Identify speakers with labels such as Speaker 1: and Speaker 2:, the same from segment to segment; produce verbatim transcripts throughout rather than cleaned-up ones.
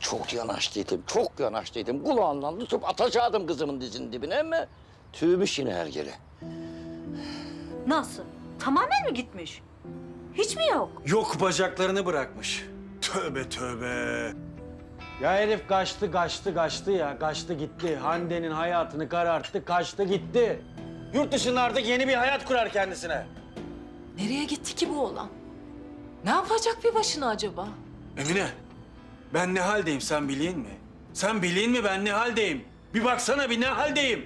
Speaker 1: çok yanaştıydım, çok yanaştıydım. Kulağından tutup atacaktım kızımın dizinin dibine ama tüymüş yine hergele.
Speaker 2: Nasıl? Tamamen mi gitmiş? Hiç mi yok?
Speaker 3: Yok, bacaklarını bırakmış.
Speaker 4: Tövbe tövbe.
Speaker 3: Ya herif kaçtı, kaçtı, kaçtı ya. Kaçtı gitti. Hande'nin hayatını kararttı, kaçtı gitti. Yurt dışında artık yeni bir hayat kurar kendisine.
Speaker 5: Nereye gitti ki bu oğlan? Ne yapacak bir başına acaba?
Speaker 3: Emine, ben ne haldeyim sen bileyim mi? Sen bileyim mi ben ne haldeyim? Bir baksana bir ne haldeyim?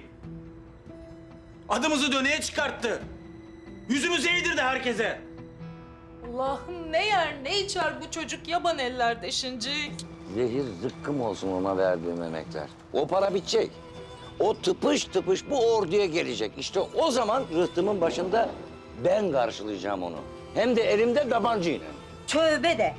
Speaker 3: Adımızı döneye çıkarttı. Yüzümüzü eğdirdi herkese.
Speaker 5: Allah'ım ne yer ne içer bu çocuk yaban ellerde şincik.
Speaker 1: Zehir zıkkım olsun ona verdiğim emekler. O para bitecek. O tıpış tıpış bu orduya gelecek. İşte o zaman rıhtımın başında ben karşılayacağım onu. Hem de elimde tabancayla.
Speaker 2: Tövbe de.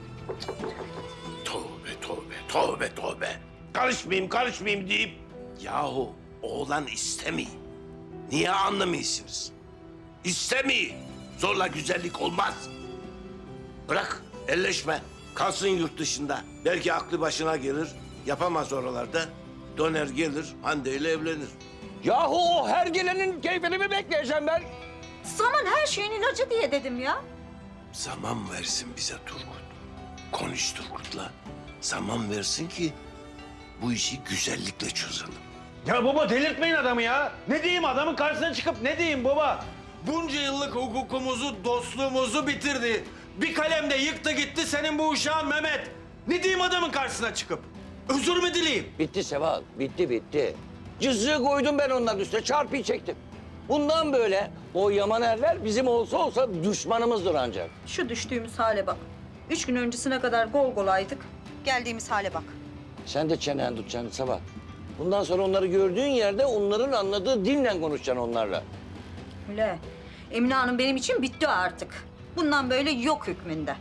Speaker 4: Tövbe tövbe tövbe tövbe. Karışmayayım karışmayayım deyip yahu oğlan istemiyor. Niye anlamıyorsunuz? İstemiyor. Zorla güzellik olmaz. Bırak elleşme. Kalsın yurt dışında. Belki aklı başına gelir. Yapamaz oralarda. Döner gelir Hande ile evlenir.
Speaker 1: Yahu o her gelenin keyfini mi bekleyeceğim ben?
Speaker 2: Zaman her şeyin ilacı diye dedim ya.
Speaker 4: Zaman versin bize Turgut. Konuş Turgut'la. Zaman versin ki bu işi güzellikle çözelim.
Speaker 3: Ya baba delirtmeyin adamı ya. Ne diyeyim adamın karşısına çıkıp ne diyeyim baba? Bunca yıllık hukukumuzu, dostluğumuzu bitirdi. Bir kalemde yıktı gitti senin bu uşağın Mehmet. Ne diyeyim adamın karşısına çıkıp? Özür mü dileyim?
Speaker 1: Bitti Seval, bitti bitti. Cızığı koydum ben onların üstüne, çarpıyı çektim. Bundan böyle o yaman erler bizim olsa olsa düşmanımızdır ancak.
Speaker 2: Şu düştüğümüz hale bak. Üç gün öncesine kadar gol golaydık. Geldiğimiz hale bak.
Speaker 1: Sen de çenen tutacaksın Seval. Bundan sonra onları gördüğün yerde onların anladığı dille konuşacaksın onlarla.
Speaker 2: Öyle. Emine Hanım benim için bitti artık. Bundan böyle yok hükmünde.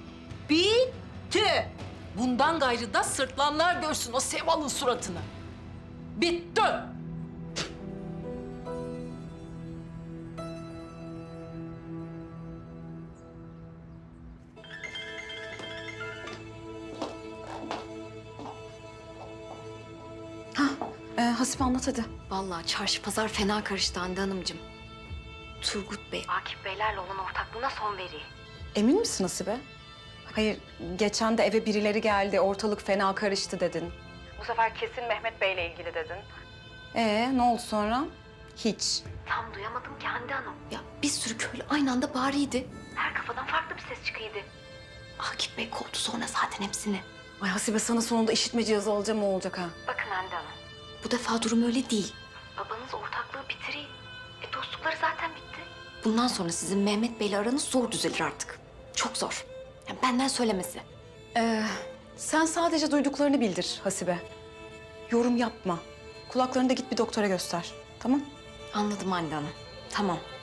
Speaker 2: Bitti.
Speaker 5: Bundan gayrı da sırtlanlar görsün o Seval'ın suratını. Bitti.
Speaker 6: Ee, Hasibe anlat hadi.
Speaker 7: Vallahi çarşı pazar fena karıştı Hande Hanımcığım. Turgut Bey, Akif Beylerle olan ortaklığına son veriyor.
Speaker 6: Emin misin Hasibe? Hayır, geçen de eve birileri geldi, ortalık fena karıştı dedin. Bu sefer kesin Mehmet Bey'le ilgili dedin. Ee, ne oldu sonra? Hiç.
Speaker 7: Tam duyamadım ki Hande Hanım. Ya bir sürü köylü aynı anda bağırıyordu. Her kafadan farklı bir ses çıkıyordu. Akif Bey kovdu sonra zaten hepsini.
Speaker 6: Ay Hasibe sana sonunda işitme cihazı alacağım, o olacak ha.
Speaker 7: Bakın Hande Hanım, bu defa durum öyle değil. Babanız ortaklığı bitiriyor. E dostlukları zaten bitti. Bundan sonra sizin Mehmet Bey'le aranız zor düzelir artık. Çok zor. Yani benden söylemesi.
Speaker 6: Ee, sen sadece duyduklarını bildir Hasibe. Yorum yapma. Kulaklarını da git bir doktora göster, tamam?
Speaker 7: Anladım Hande Hanım. Tamam.